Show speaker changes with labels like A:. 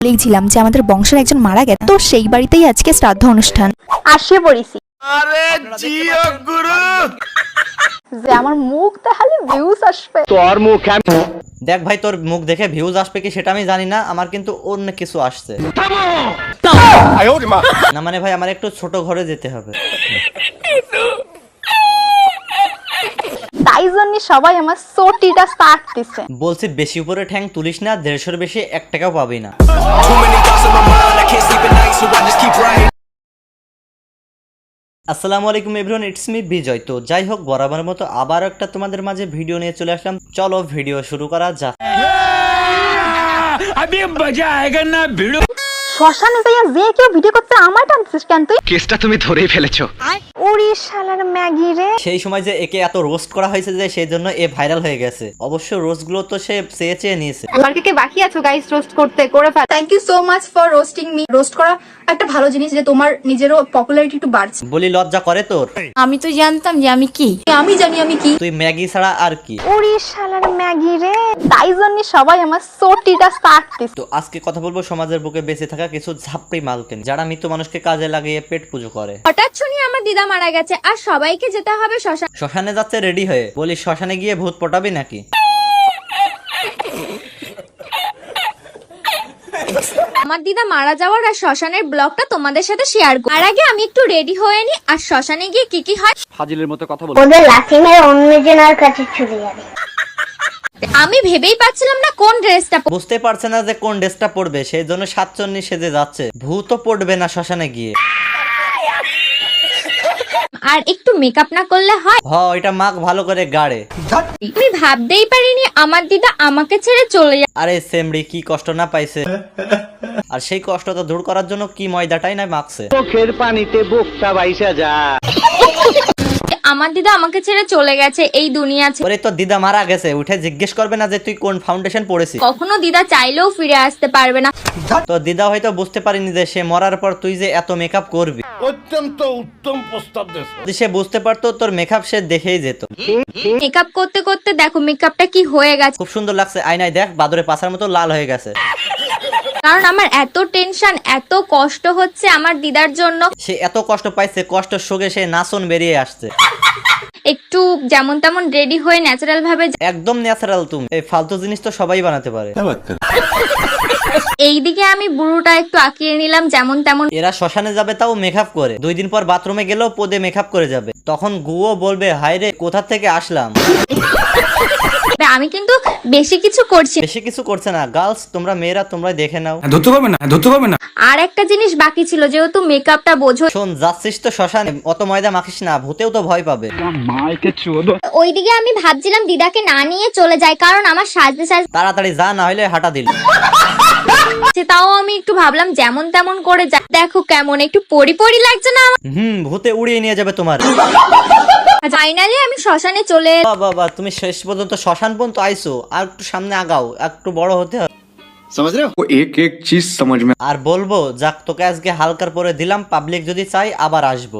A: বলেইছিলাম যে আমাদের বংশের একজন মারা গেছে, তো সেই বাড়িতেই আজকে শ্রাদ্ধ অনুষ্ঠান।
B: আসে পড়েছি যে আমার মুখ তাহলে ভিউজ আসবে।
C: তোর মুখ দেখ ভাই, তোর মুখ দেখে ভিউজ আসবে কি সেটা আমি জানি না, আমার কিন্তু অন্য কিছু আসছে না। মানে ভাই আমার একটু ছোট ঘরে যেতে হবে,
B: তাই জন্য সবাই আমার সোটিটা স্টার্ট দিছে।
C: বলছি বেশি উপরে ঠ্যাং তুলিস না, 150-এর বেশি 1 টাকাও পাবি না। আসসালামু আলাইকুম এভরিওয়ান, ইটস মি বিজয়। তো যাই হোক, বরাবরের মতো আবার একটা তোমাদের মাঝে ভিডিও নিয়ে চলে আসলাম। চলো ভিডিও শুরু করা যাক।
B: শ্মশানে যাইয়া যে কেউ ভিডিও করতে আমার টানছিস কেন তুই?
D: কেসটা তুমি ধরেই ফেলেছো।
B: ওরে শালার ম্যাগি রে।
C: সেই সময় যে একে এত রোস্ট করা হয়েছে যে সেই জন্য এ ভাইরাল হয়ে গেছে। অবশ্য রোস্ট গুলো তো সে চেয়ে নিয়েছে।
B: আর কে বাকি আছো গাইস রোস্ট করতে, করে ফেল।
E: Thank you so much for roasting me. Roast করা একটা ভালো জিনিস, যে তোমার নিজেরও পপুলারিটি একটু বাড়ছে।
C: বলি লজ্জা করে তোর?
E: আমি তো জানতাম যে আমি কি, আমি জানি আমি কি।
C: তুই ম্যাগি ছাড়া আর কি?
B: ওরে শালার ম্যাগি রে। তাই জন্য সবাই আমার সোটিটা স্টার্ট দিছে।
C: তো আজকে কথা বলবো সমাজের বুকে বেঁচে থাকা কিছু ঝাপড়ি মালকে নিয়ে, যারা মৃত মানুষকে কাজে লাগিয়ে পেট পুজো করে।
F: হঠাৎ শুনি আমার দিদা মারা গেছে আর সবাইকে যেতে হবে শ্মশান।
C: শ্মশানে যাচ্ছে রেডি হয়ে, বলি শ্মশানে গিয়ে ভূত পটাবি নাকি?
F: আমার দিদা মারা যাওয়ার আর শ্মশানের ব্লগটা তোমাদের সাথে শেয়ার করব। আর আগে আমি একটু রেডি হয়ে নি, আর শ্মশানে গিয়ে কি কি হয়
D: ফাজিলের মতো কথা বল।
G: ওদের লাথি মেরে অন্যজনের কাছে চলে যাবে।
F: আমি ভেবেই পাচ্ছিলাম না কোন ড্রেসটা
C: বুঝতে পারছে না যে কোন ড্রেসটা পরবে, সেই জন্য সাতচন্নি সেজে যাচ্ছে। ভূতও পড়বে না শ্মশানে গিয়ে।
F: আর একটু মেকআপ না করলে হয়?
C: এটা মাখ ভালো করে গাড়ে।
F: আমি ভাবতেই পারিনি আমার দিদা আমাকে ছেড়ে চলে যাবে।
C: আরে সেমড়ি কি কষ্ট না পাইছে, আর সেই কষ্টটা দূর করার জন্য কি ময়দাটাই না মাখছে।
D: চোখের পানিতে বুকটা বাইসা যা।
F: আমার দিদা আমাকে ছেড়ে চলে গেছে এই দুনিয়া ছেড়ে।
C: ওরে তোর দিদা মারা গেছে, উঠে জিজ্ঞেস করবে না যে তুই কোন ফাউন্ডেশন পড়েছিস?
F: কখনো দিদা চাইলেও ফিরে আসতে পারবে না।
C: তো দিদা হয়তো বুঝতে পারিনি যে সে মরার পর তুই যে এত মেকআপ করবি।
H: অত্যন্ত উত্তম প্রস্তাব দিয়েছো।
C: যদি সে বুঝতে পারতো তোর মেকআপ সে দেখেই যেত।
F: মেকআপ করতে করতে দেখো মেকআপটা কি হয়ে গেছে।
C: খুব সুন্দর লাগছে, আয়নায় দেখ বাদরে পাছার মতো লাল হয়ে গেছে।
F: কারণ আমার এত টেনশন, এত কষ্ট হচ্ছে আমার দিদার জন্য।
C: সে এত কষ্ট পাইছে, কষ্ট শোকে সে নাচন বেরিয়ে আসছে।
F: একটু যেমন তেমন রেডি হয়ে ন্যাচারাল ভাবে।
C: একদম ন্যাচারাল তুমি, এই ফালতু জিনিস তো সবাই বানাতে পারে।
F: এইদিকে আমি বুড়োটা একটু আঁকিয়ে নিলাম যেমন তেমন।
C: এরা শ্মশানে যাবে তাও মেকআপ করে, 2 দিন পর বাথরুমে গেলেও পদে মেকআপ করে যাবে। তখন গুও বলবে হায় রে কোথা থেকে আসলাম।
F: আমি কিন্তু বেশি কিছু করছি।
C: বেশি কিছু করছে না। গার্লস তোমরা মেয়েরা তোমরা দেখে নাও।
D: ধরতে পারবে না।
F: আর একটা জিনিস বাকি ছিল, যেহেতু মেকআপটা বোঝো।
C: শোন, যাচ্ছিস তো শ্মশানে, অত ময়দা মাখিস না, ভূতেও তো ভয় পাবে।
F: ওইদিকে আমি ভাবছিলাম দিদাকে না নিয়ে চলে যাই, কারণ আমার সাজতে সাজতে
C: তাড়াতাড়ি যা, না হলে হাঁটা দিল।
F: তাও আমি একটু ভাবলাম যেমন তেমন করে যাই। দেখো কেমন একটু পরি পরি লাগছে না আমার?
C: ভূতে উড়িয়ে নিয়ে যাবে তোমার।
F: ফাইনালি আমি শ্মশানে চলে।
C: বাবা তুমি শেষ পর্যন্ত শ্মশান পর্যন্ত আইসো, আর একটু সামনে আগাও, একটু বড় হতে হবে।
D: समझ रहे हो? वो एक एक चीज समझ में।
C: আর বলবো যাক, তোকে আজকে হালকার পরে দিলাম, পাবলিক যদি চাই আবার আসবো।